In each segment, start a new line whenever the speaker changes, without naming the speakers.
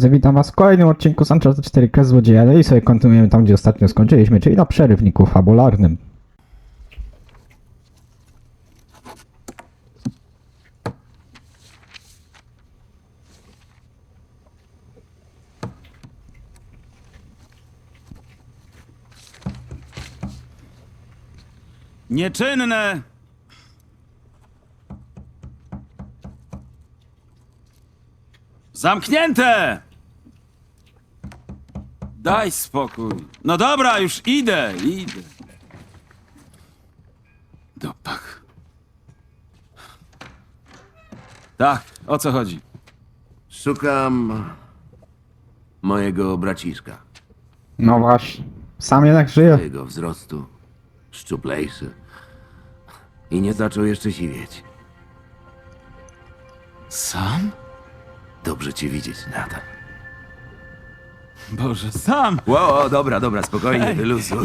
drodzy, witam was w kolejnym odcinku z Uncharted 4 Kres Złodzieja. No i sobie kontynuujemy tam, gdzie ostatnio skończyliśmy, czyli na przerywniku fabularnym.
Nieczynne! Zamknięte! Daj spokój. No dobra, już idę. Dopak. Tak, o co chodzi?
Szukam mojego braciszka.
No właśnie, sam jednak żyje.
Jego wzrostu, szczuplejszy. I nie zaczął jeszcze siwieć.
Sam?
Dobrze cię widzieć, Nathan.
Boże, sam!
Wow, dobra, spokojnie,
Ej.
wyluzuj.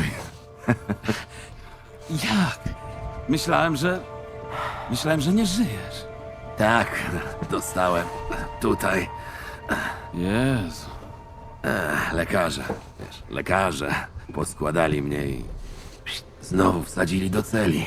Jak? Myślałem, że nie żyjesz.
Tak, dostałem. Tutaj.
Jezu.
Lekarze poskładali mnie i znowu wsadzili do celi.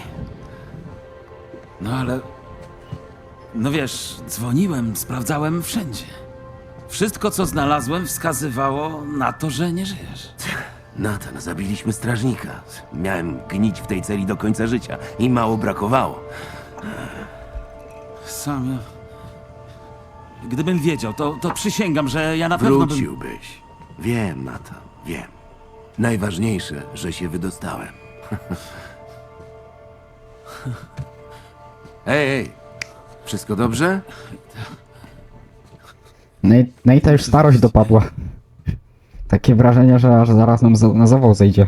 No ale... No wiesz, dzwoniłem, sprawdzałem wszędzie. Wszystko, co znalazłem, wskazywało na to, że nie żyjesz.
Nathan, zabiliśmy strażnika. Miałem gnić w tej celi do końca życia i mało brakowało.
Sam ja... Gdybym wiedział, to przysięgam, że ja na pewno bym...
Wróciłbyś. Wiem, Nathan, wiem. Najważniejsze, że się wydostałem. Ej, wszystko dobrze?
Nate'a już starość dopadła. Takie wrażenie, że aż zaraz nam na zawał zejdzie.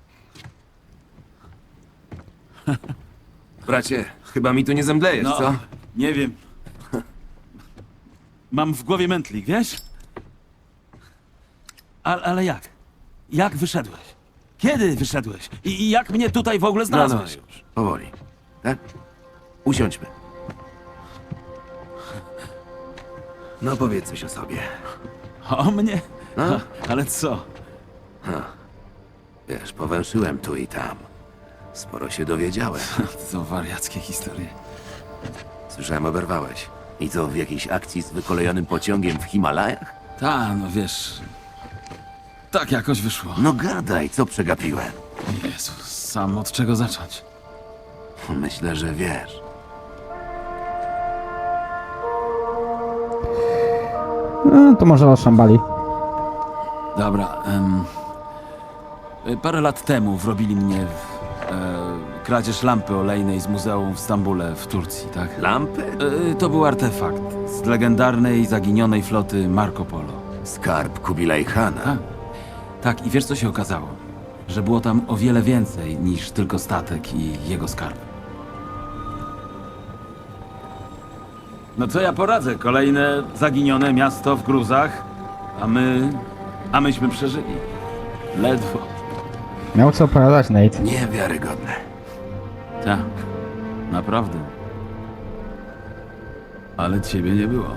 Bracie, chyba mi tu nie zemdlejesz,
No,
co?
nie wiem. Mam w głowie mętlik, wiesz? Ale jak? Jak wyszedłeś? Kiedy wyszedłeś? I jak mnie tutaj w ogóle znalazłeś?
już, powoli. Tak? Usiądźmy. No powiedz coś o sobie.
O mnie?
No?
Ale co?
Wiesz, powęszyłem tu i tam. Sporo się dowiedziałem.
To wariackie historie.
Słyszałem, oberwałeś. I co, w jakiejś akcji z wykolejonym pociągiem w Himalajach?
No wiesz... Tak jakoś wyszło.
No gadaj, co przegapiłem?
Jezus, sam od czego zacząć?
Myślę, że wiesz.
No, to może o szambali.
Dobra, parę lat temu wrobili mnie w kradzież lampy olejnej z muzeum w Stambule w Turcji, tak?
Lampy?
To był artefakt z legendarnej, zaginionej floty Marco Polo.
Skarb Kubilaj Khana.
Tak, i wiesz co się okazało? Że było tam o wiele więcej niż tylko statek i jego skarb. No co ja poradzę? Kolejne zaginione miasto w gruzach, a myśmy przeżyli. Ledwo.
Miał co opowiadać Nate.
Niewiarygodne.
Tak, naprawdę. Ale ciebie nie było.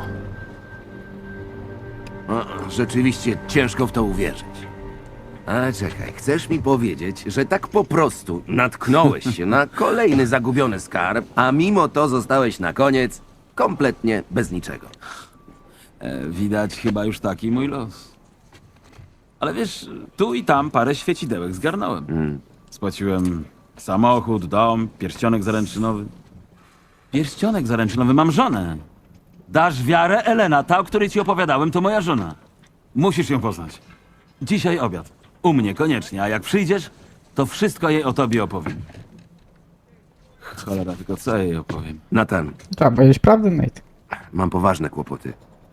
No, rzeczywiście ciężko w to uwierzyć. Ale czekaj, chcesz mi powiedzieć, że tak po prostu natknąłeś się na kolejny zagubiony skarb, a mimo to zostałeś na koniec kompletnie bez niczego.
Widać chyba już taki mój los. Ale wiesz, tu i tam parę świecidełek zgarnąłem. Spłaciłem samochód, dom, pierścionek zaręczynowy. Pierścionek zaręczynowy, mam żonę. Dasz wiarę, Elena, ta, o której ci opowiadałem, to moja żona. Musisz ją poznać. Dzisiaj obiad. U mnie koniecznie, a jak przyjdziesz, to wszystko jej o tobie opowiem. Cholera, tylko co jej opowiem?
Nathan,
Trzeba powiedzieć prawdę, Nate.
mam poważne kłopoty.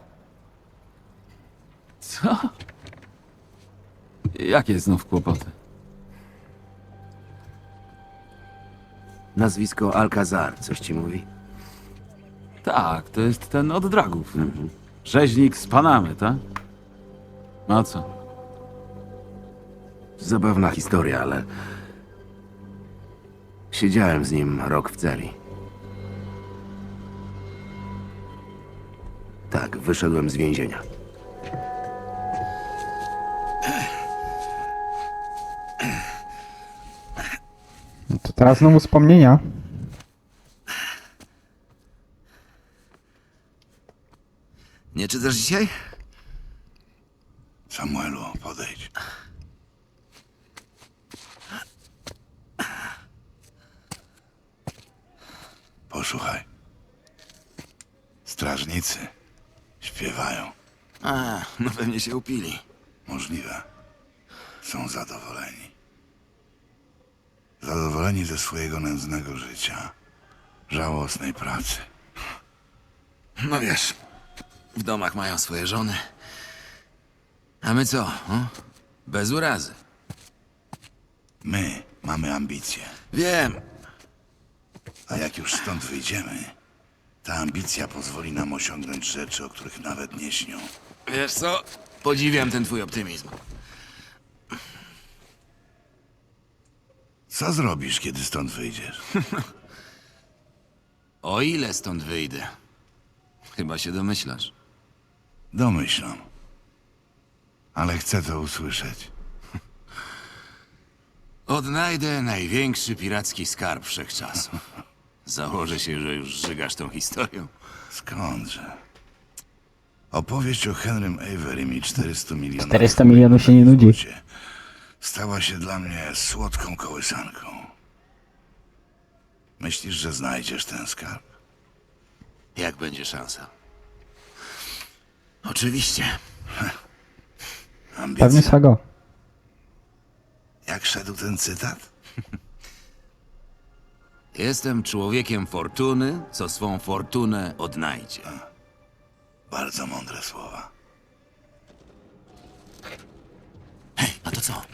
Co? Jakie znów kłopoty?
Nazwisko Alcazar, coś ci mówi?
Tak, to jest ten od dragów. Rzeźnik z Panamy, tak? No co?
Zabawna historia, ale... Siedziałem z nim rok w celi. Tak, wyszedłem z więzienia.
Teraz znowu wspomnienia.
Nie czytasz dzisiaj?
Samuelu, podejdź. Posłuchaj. Strażnicy śpiewają.
A, no pewnie się upili.
Możliwe. Są zadowoleni. Zadowoleni ze swojego nędznego życia. Żałosnej pracy.
No wiesz, w domach mają swoje żony. A my co? Bez urazy.
My mamy ambicje.
Wiem.
A jak już stąd wyjdziemy, ta ambicja pozwoli nam osiągnąć rzeczy, o których nawet nie śnią.
Wiesz co? Podziwiam ten twój optymizm.
Co zrobisz, kiedy stąd wyjdziesz?
O ile stąd wyjdę? Chyba się domyślasz.
Domyślam. Ale chcę to usłyszeć.
Odnajdę największy piracki skarb wszechczasów. Założę się, że już żygasz tą historią.
Skądże? Opowieść o Henrym Averym i 400 milionach...
400 milionów się nie nudzi.
Stała się dla mnie słodką kołysanką. Myślisz, że znajdziesz ten skarb?
Jak będzie szansa? Oczywiście.
Pewnie
Ambicja.
swego.
Jak szedł ten cytat?
Jestem człowiekiem fortuny, co swą fortunę odnajdzie.
Bardzo mądre słowa.
Hej, a to co?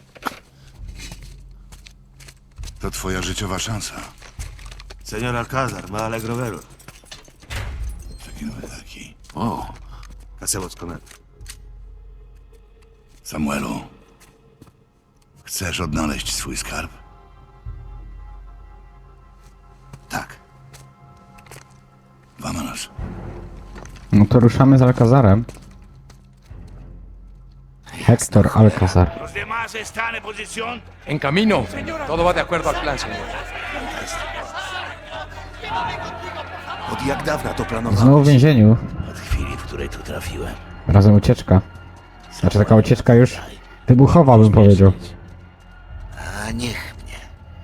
To twoja życiowa szansa.
Señor Alcázar, me alegro verlo.
Taki nowy taki.
O,
¿Qué hacemos con él?
Samuelu, chcesz odnaleźć swój skarb?
tak.
Vámonos.
No to ruszamy z Alcazarem. Hector Alcazar.
¿Los demás están en posición?
En camino. Todo va de acuerdo al plan, señor.
Od jak dawna to planowałeś?
Znowu w więzieniu.
Od chwili, w której tu trafiłem.
Razem ucieczka. Znaczy taka ucieczka już wybuchowa, bym powiedział.
A niech mnie.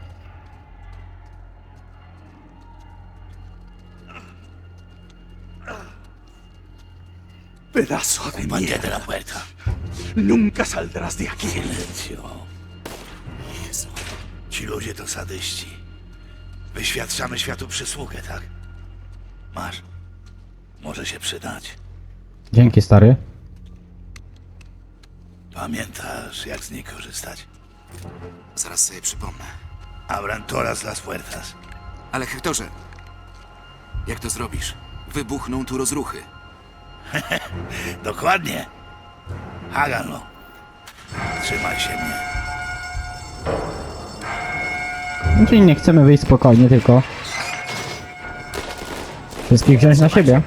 Pedazo de
Mantente
mierda.
la puerta.
Nunca saldrás de aquí.
Silencio.
Jezu. Ci ludzie to sadyści. Wyświadczamy światu przysługę, tak? Masz. Może się przydać.
Dzięki, stary.
Pamiętasz, jak z niej korzystać?
Zaraz sobie przypomnę.
Abran todas las puertas.
Ale Hektorze, jak to zrobisz? Wybuchną tu rozruchy.
Dokładnie. Háganlo. Trzymaj się mnie.
No, czyli nie chcemy wyjść spokojnie, tylko wszystkich wziąć na siebie.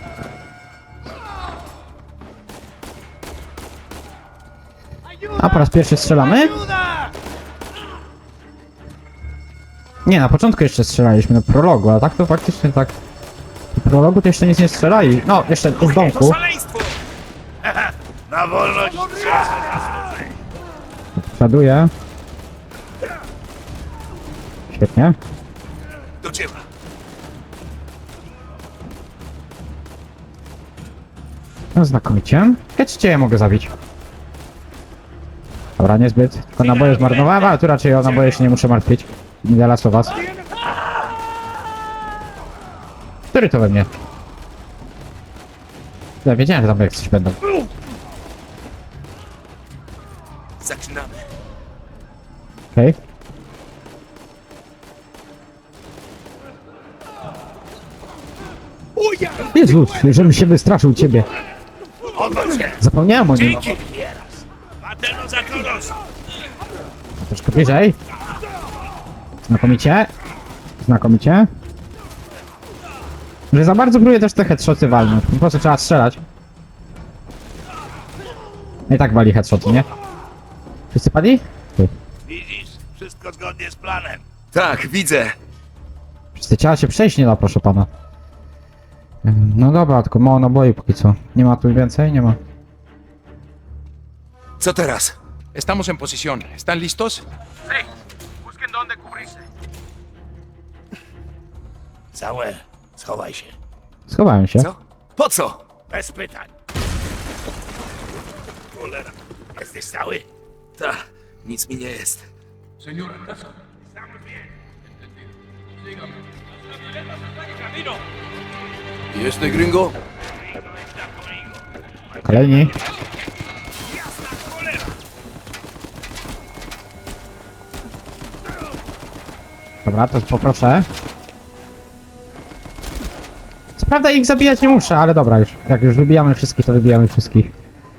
A po raz pierwszy strzelamy? Nie, na początku jeszcze strzelaliśmy, na prologu, a tak to faktycznie tak... W prologu to jeszcze nic nie strzelali. No, jeszcze z domku.
Na wolność!
Przoduję. Świetnie.
Do dzieła!
No znakomicie. Cię ja mogę zabić. Dobra, niezbyt. Tylko naboje zmarnowałem, ale tu raczej o naboje się nie muszę martwić. Nie da lasu was. Który to we mnie? Ja wiedziałem, że tam jak coś będą.
Zaczynamy.
Okej. Jezus, żebym się wystraszył ciebie.
Odwróć się!
Zapomniałem o nim.
Maternos a todos!
Troszkę bliżej. Znakomicie. Znakomicie. Że za bardzo próbuję też te headshoty walnąć. Po prostu trzeba strzelać. I tak wali headshoty, nie? Wszyscy padli? Ty.
Widzisz? Wszystko zgodnie z planem. Tak, widzę.
Przez te ciała się przejść nie da, proszę pana. No dobra, tylko mało naboi póki co. Nie ma tu więcej? Nie ma.
Co teraz?
Estamos en posición. ¿Están listos?
Samuel, schowaj się.
Schowałem się.
Co? Po co? Bez pytań. Cholera. Jesteś cały? Tak, nic mi nie jest.
¿Y este gringo?
Kolejni. Dobra, to poproszę. Co prawda ich zabijać nie muszę, ale dobra już. Jak już wybijamy wszystkich, to wybijamy wszystkich.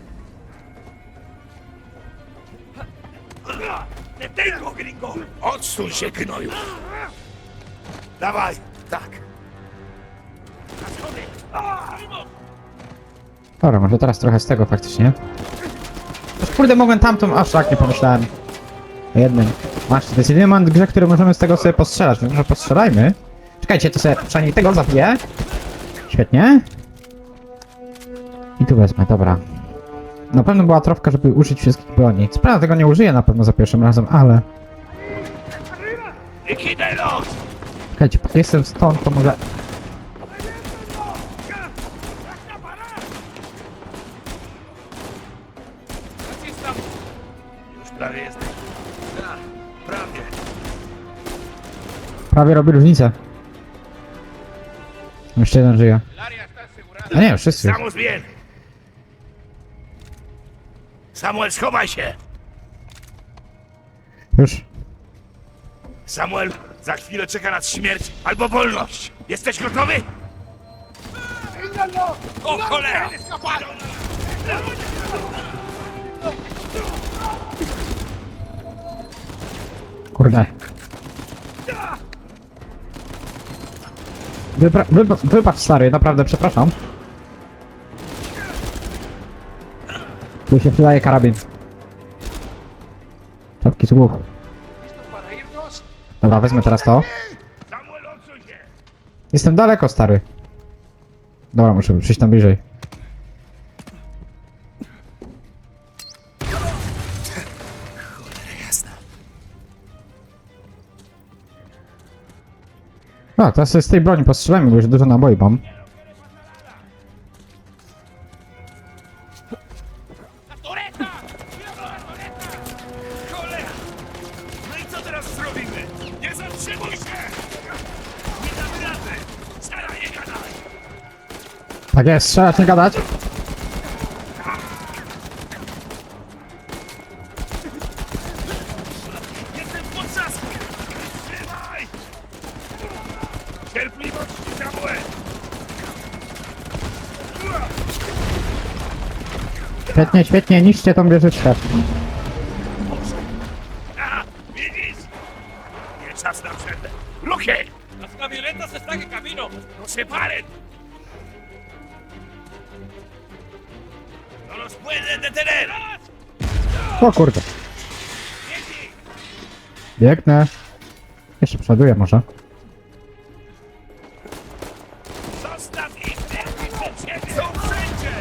Detengo, gringo! Odsuń się, gnoju! Dawaj! Tak.
Dobra, może teraz trochę z tego faktycznie. Już kurde, mogłem tamtą, aż tak nie pomyślałem. O jednym. Masz, to jest jedyny moment w grze, który możemy z tego sobie postrzelać, więc może postrzelajmy. Czekajcie, to sobie przynajmniej tego zabiję. Świetnie. I tu wezmę, dobra. Na pewno była trofka, żeby użyć wszystkich broni. Co prawda tego nie użyję na pewno za pierwszym razem, ale...
Liquidelos!
Czekajcie, póki jestem stąd, to może...
Już prawie jesteś. Tak, prawie.
Prawie robi różnicę. Jeszcze jeden żyje. A nie, wszyscy już.
Samus bien! Samuel, schowaj się!
Już.
Samuel, za chwilę czeka nas śmierć albo wolność. Jesteś gotowy? O cholera!
Kurde. Wybacz stary, naprawdę przepraszam. Tu się przydaje karabin. Czapki z głów. Dobra, wezmę teraz to.
Samuel, odsuń się!
Jestem daleko, stary. Dobra, muszę przyjść tam bliżej. A, teraz sobie z tej broni postrzelajmy, bo już dużo naboi mam.
Cholera! No i co teraz zrobimy? Nie zatrzymuj się! Nie damy rady! Staraj, nie gadaj!
Tak jest, strzelać, nie gadać.
Jestem w potrzasku! Trzymaj! Cierpliwości, Samuel!
Świetnie, świetnie, niszcie tą wieżyczkę.
A, widzisz? Nie czas na przerwę. Ruchy!
Las camionetas están en camino.
¡No se paren! ¡No los pueden detener!
O kurde. Biegnę. Jeszcze przoduję może.
Zostaw ich! Biegnij przed siebie! Są wszędzie!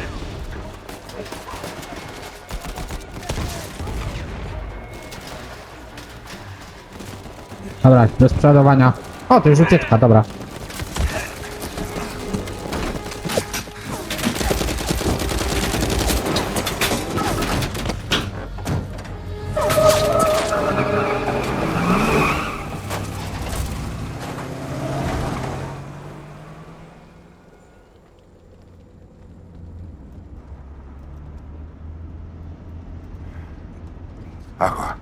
Dobra, bez przodowania. O, to już ucieczka, dobra.
Agua.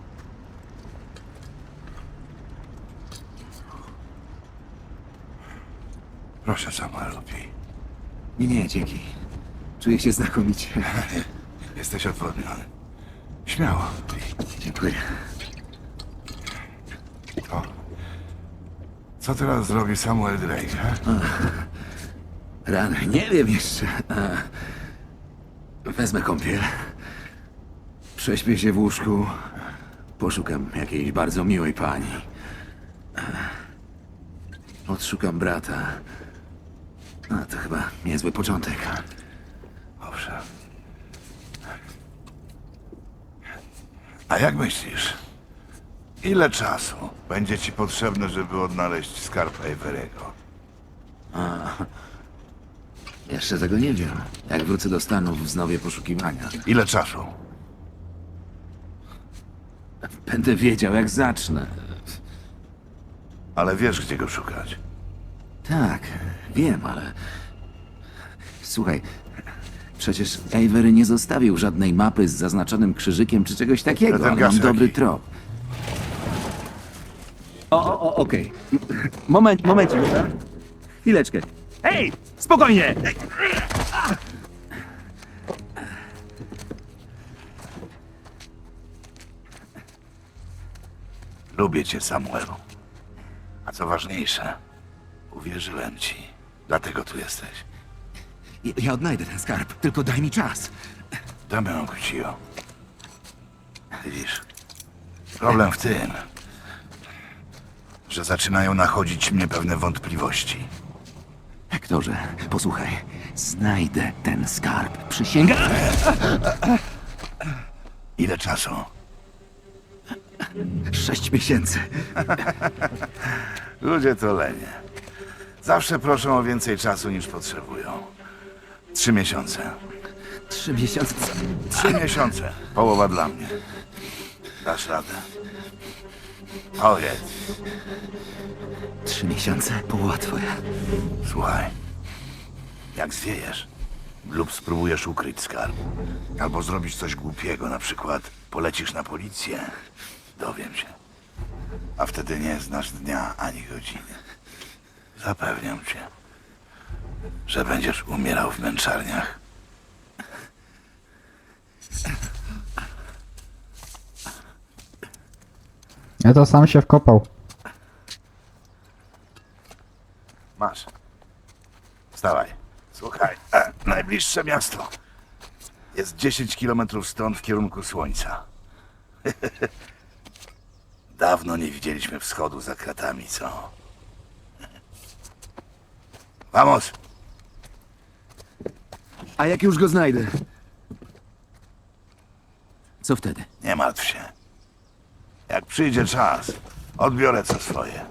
Proszę, Samuel, pij.
Nie, dzięki. Czuję się znakomicie.
Jesteś odwodniony. Śmiało.
Dziękuję.
To... Co teraz zrobi Samuel Drake, he?
Rany, nie wiem jeszcze. Wezmę kąpiel. Prześpię się w łóżku. Poszukam jakiejś bardzo miłej pani. Odszukam brata. A to chyba niezły początek.
Owszem. A jak myślisz? Ile czasu będzie ci potrzebne, żeby odnaleźć skarb Avery'ego?
Jeszcze tego nie wiem. Jak wrócę do Stanów, wznowię poszukiwania.
Ile czasu?
Będę wiedział, jak zacznę.
Ale wiesz, gdzie go szukać.
Tak, wiem, ale... Słuchaj, przecież Avery nie zostawił żadnej mapy z zaznaczonym krzyżykiem czy czegoś takiego,
ten
ale
gaz
mam dobry
jaki?
trop. Okej. Momencik, dobra? Chwileczkę.
Hej! Spokojnie!
Lubię cię, Samuelu. A co ważniejsze, uwierzyłem ci. Dlatego tu jesteś.
Ja odnajdę ten skarb, tylko daj mi czas.
Damian Cuccio. Widzisz, problem w tym, że zaczynają nachodzić mnie pewne wątpliwości.
Hektorze, posłuchaj. Znajdę ten skarb. Przysięgam.
Ile czasu?
6 miesięcy.
Ludzie to lenie. Zawsze proszą o więcej czasu niż potrzebują. 3 miesiące.
3 miesiące.
3 miesiące. Połowa dla mnie. Dasz radę. Powiedz.
3 miesiące? Połowa twoja.
Słuchaj. Jak zwiejesz lub spróbujesz ukryć skarb, albo zrobić coś głupiego, na przykład polecisz na policję, dowiem się. A wtedy nie znasz dnia ani godziny. Zapewniam cię, że będziesz umierał w męczarniach.
Ja to sam się wkopał.
Masz. Wstawaj. Słuchaj, najbliższe miasto jest 10 kilometrów stąd w kierunku słońca. Dawno nie widzieliśmy wschodu za kratami, co? Vamos!
A jak już go znajdę? Co wtedy?
Nie martw się. Jak przyjdzie czas, odbiorę co swoje.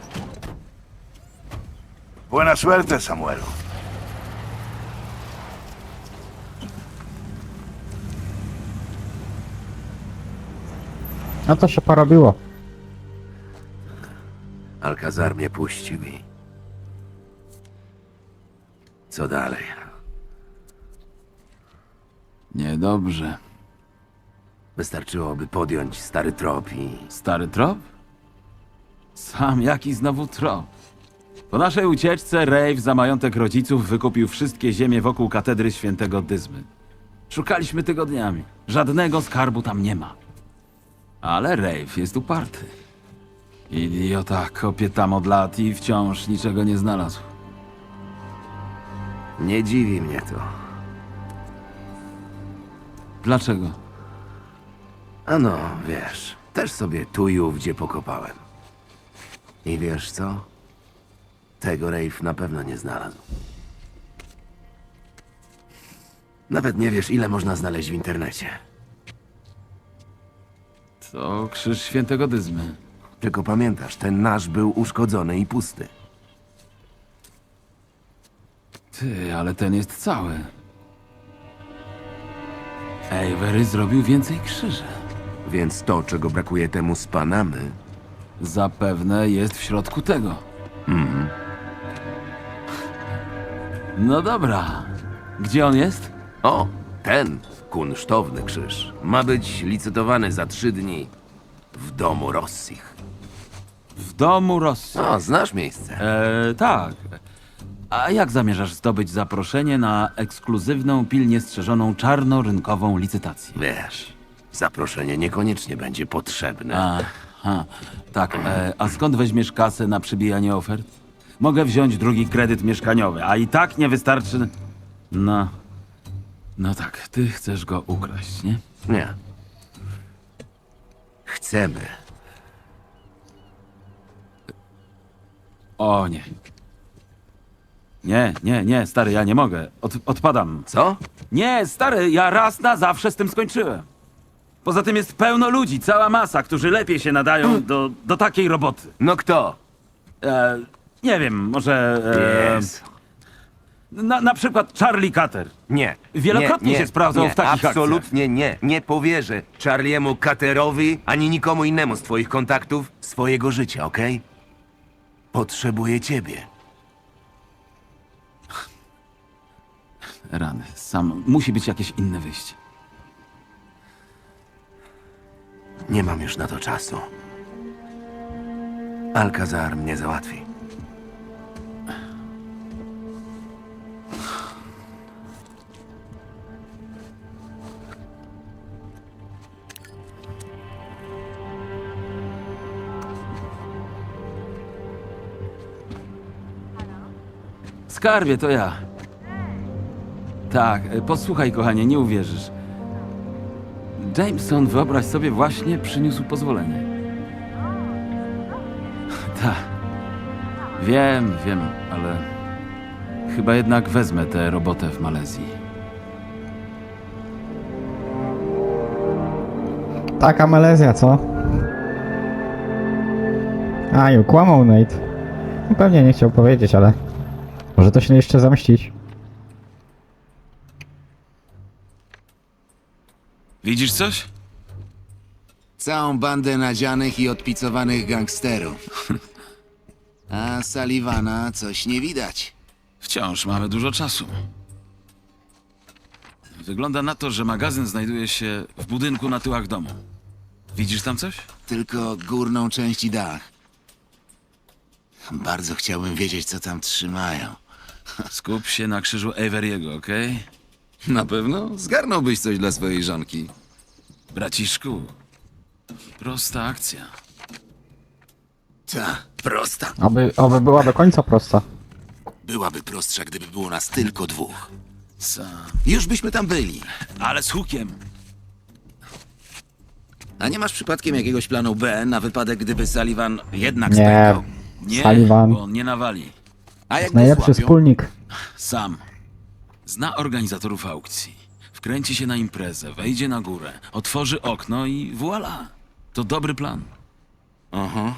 Buena suerte, Samuelu.
No to się porobiło.
Alcazar mnie puścił i... Co dalej?
Niedobrze.
Wystarczyłoby podjąć stary trop i...
Stary trop? Sam jaki znowu trop? Po naszej ucieczce Rave za majątek rodziców wykupił wszystkie ziemie wokół katedry świętego Dyzmy. Szukaliśmy tygodniami. Żadnego skarbu tam nie ma. Ale Rave jest uparty. Idiota kopie tam od lat i wciąż niczego nie znalazł.
Nie dziwi mnie to.
Dlaczego?
Ano, wiesz, też sobie tu i ówdzie pokopałem. I wiesz co? Tego Rave na pewno nie znalazł. Nawet nie wiesz, ile można znaleźć w internecie.
To krzyż świętego Dyzmy.
Tylko pamiętasz, ten nasz był uszkodzony i pusty.
Ty, ale ten jest cały. Avery zrobił więcej krzyży.
Więc to, czego brakuje temu z Panamy...
Zapewne jest w środku tego. No dobra. Gdzie on jest?
O, ten kunsztowny krzyż ma być licytowany za 3 dni w domu Rossich.
W domu Rosji.
O, znasz miejsce.
Tak. A jak zamierzasz zdobyć zaproszenie na ekskluzywną, pilnie strzeżoną czarnorynkową licytację?
Wiesz, zaproszenie niekoniecznie będzie potrzebne.
Aha, tak. A skąd weźmiesz kasę na przybijanie ofert? Mogę wziąć drugi kredyt mieszkaniowy, a i tak nie wystarczy... No... No tak, ty chcesz go ukraść, nie?
Nie. Chcemy.
O nie. Nie, stary, ja nie mogę. Odpadam.
Co?
Nie, stary, ja raz na zawsze z tym skończyłem. Poza tym jest pełno ludzi, cała masa, którzy lepiej się nadają do takiej roboty.
No kto?
Nie wiem, może...
Jest.
Na przykład Charlie Cutter.
Nie.
Wielokrotnie się sprawdzał w takich
absolutnie nie. Nie powierzę Charliemu Cutterowi ani nikomu innemu z twoich kontaktów swojego życia, okej? Potrzebuję ciebie.
Rany, sam. Musi być jakieś inne wyjście.
Nie mam już na to czasu. Alcazar mnie załatwi.
Skarbie, to ja. Tak, posłuchaj, kochanie, nie uwierzysz. Jameson, wyobraź sobie, właśnie przyniósł pozwolenie. Tak. Wiem, ale chyba jednak wezmę tę robotę w Malezji.
Taka Malezja, co? Aju, kłamał Nate. No, pewnie nie chciał powiedzieć, ale... Może to się jeszcze zamieścić.
Widzisz coś?
Całą bandę nadzianych i odpicowanych gangsterów. A Sullivana coś nie widać.
Wciąż mamy dużo czasu. Wygląda na to, że magazyn znajduje się w budynku na tyłach domu. Widzisz tam coś?
Tylko górną część i dach. Bardzo chciałbym wiedzieć, co tam trzymają.
Skup się na krzyżu Avery'ego, okej?
Na pewno zgarnąłbyś coś dla swojej żonki.
Braciszku, prosta akcja.
Ta, prosta.
Oby była do końca prosta.
Byłaby prostsza, gdyby było nas tylko dwóch.
Sam.
Już byśmy tam byli.
Ale z hukiem.
A nie masz przypadkiem jakiegoś planu B na wypadek, gdyby Sullivan jednak
Nie.
spękał?
Nie,
Sullivan.
bo on nie nawali.
A jak go
Najlepszy
złapią?
wspólnik.
Sam. Zna organizatorów aukcji. Wkręci się na imprezę, wejdzie na górę, otworzy okno i voilà. To dobry plan.
Aha.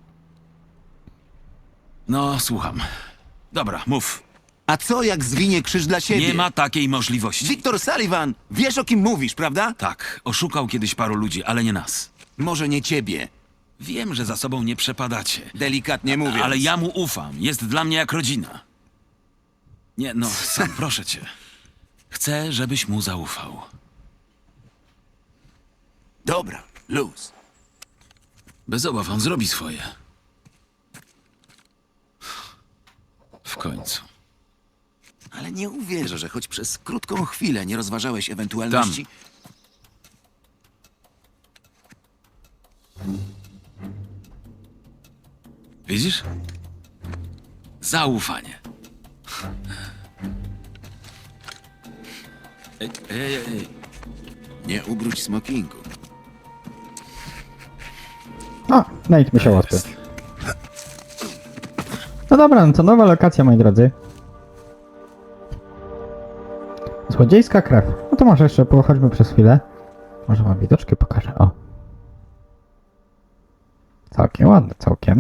No, słucham. Dobra, mów.
A co jak zwinie krzyż dla siebie?
Nie ma takiej możliwości.
Wiktor Sullivan! Wiesz, o kim mówisz, prawda?
Tak, oszukał kiedyś paru ludzi, ale nie nas.
Może nie ciebie,
Wiem, że za sobą nie przepadacie.
delikatnie mówiąc.
Ale ja mu ufam. Jest dla mnie jak rodzina. Nie, no, Sam, proszę cię. Chcę, żebyś mu zaufał.
Dobra, luz.
Bez obaw, on zrobi swoje. W końcu.
Ale nie uwierzę, że choć przez krótką chwilę nie rozważałeś ewentualności...
Widzisz? Zaufanie. Ej.
Nie ubróć smokingu.
O, Nate musiał odpiąć. No dobra, no to nowa lokacja, moi drodzy. Złodziejska krew. No to może jeszcze pochodźmy przez chwilę. Może wam widoczki pokażę, o. Całkiem ładne, całkiem.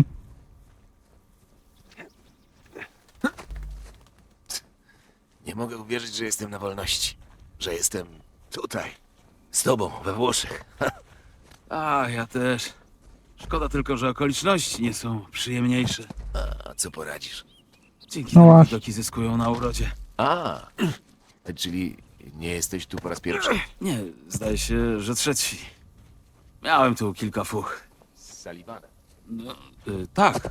Nie mogę uwierzyć, że jestem na wolności. Że jestem tutaj. Z tobą, we Włoszech.
A, ja też. Szkoda tylko, że okoliczności nie są przyjemniejsze.
A co poradzisz?
Dzięki
No
temu
właśnie.
widoki zyskują na urodzie.
A, czyli nie jesteś tu po raz pierwszy?
Nie, zdaje się, że trzeci. Miałem tu kilka fuch.
Z Sullivanem.
No, tak.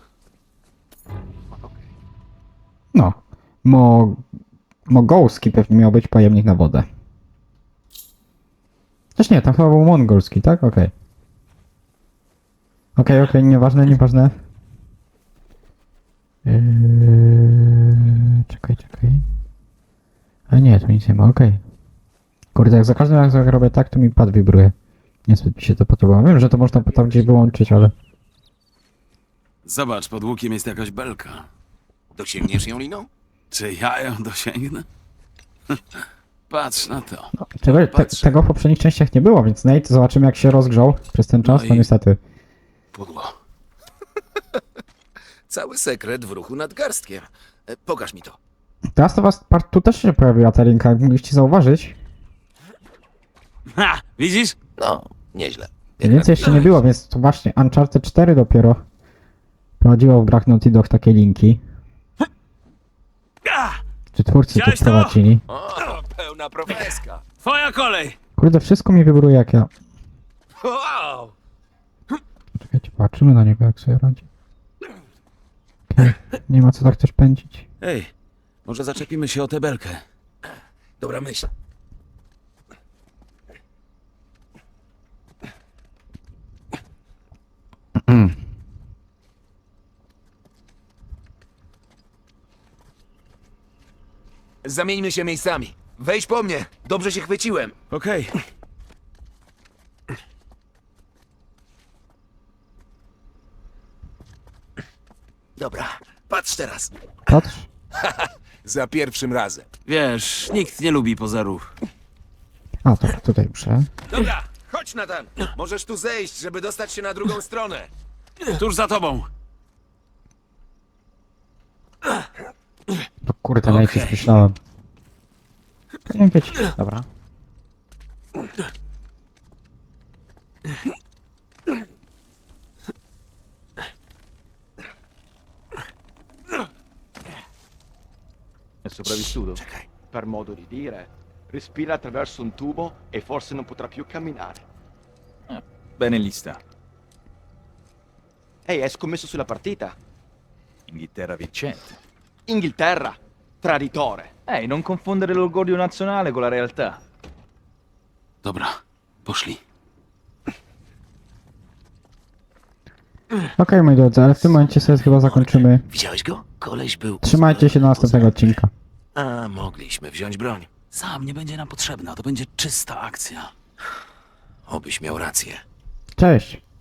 No. Mogolski pewnie miał być pojemnik na wodę. Też nie, tam chyba był mongolski, tak? Okej. Okej, nieważne. Czekaj. A nie, tu nic nie ma, okej. Kurde, jak za każdym razem jak robię tak, to mi pad wibruje. Niezbyt mi się to podoba. Wiem, że to można tam gdzieś wyłączyć, ale...
Zobacz, pod łukiem jest jakaś belka.
Dosięgniesz ją liną?
Czy ja ją dosięgnę? Patrz na to.
Tego w poprzednich częściach nie było, więc Nate, zobaczymy jak się rozgrzał przez ten czas,
No
to
i-
niestety.
Pudło. Cały sekret w ruchu nad garstkiem. Pokaż mi to.
Teraz to was, tu też się pojawiła ta linka, jak mogliście zauważyć.
Ha! Widzisz?
No, nieźle.
Więcej jeszcze nie było, więc to właśnie Uncharted 4 dopiero prowadziło w grach Naughty Dog takie linki. Czy twórcy to
Widziałeś to?
wprowadzili.
O, pełna profeska.
Twoja kolej!
Kurde, wszystko mi wybruje jak ja.
Wow!
Czekajcie, patrzymy na niego jak sobie radzi. Okej, nie ma co tak też pędzić.
Ej, może zaczepimy się o tę belkę.
Dobra myśl. Zamieńmy się miejscami. Wejdź po mnie. Dobrze się chwyciłem.
Okej.
Dobra, patrz teraz.
Patrz.
Za pierwszym razem.
Wiesz, nikt nie lubi pozerów.
A, to tutaj muszę.
Dobra, chodź Nathan. Możesz tu zejść, żeby dostać się na drugą stronę.
Tuż za tobą.
No kurde, najpierw myślałem. Nie wiecie. Dobra.
È sopravvissuto? Per modo di dire. Respira attraverso un tubo e forse non potrà più camminare.
Bene lì sta.
Ehi, hai scommesso sulla partita?
Inghilterra vincente.
Inghilterra! Traditore!
Non confondere l'orgoglio nazionale con la realtà.
Dobra, poszli.
Okej, moi drodzy, ale w tym momencie sobie chyba zakończymy.
Widziałeś go? Koleś był...
Trzymajcie się do następnego odcinka.
A, mogliśmy wziąć broń.
Sam nie będzie nam potrzebna, to będzie czysta akcja.
Obyś miał rację.
Cześć!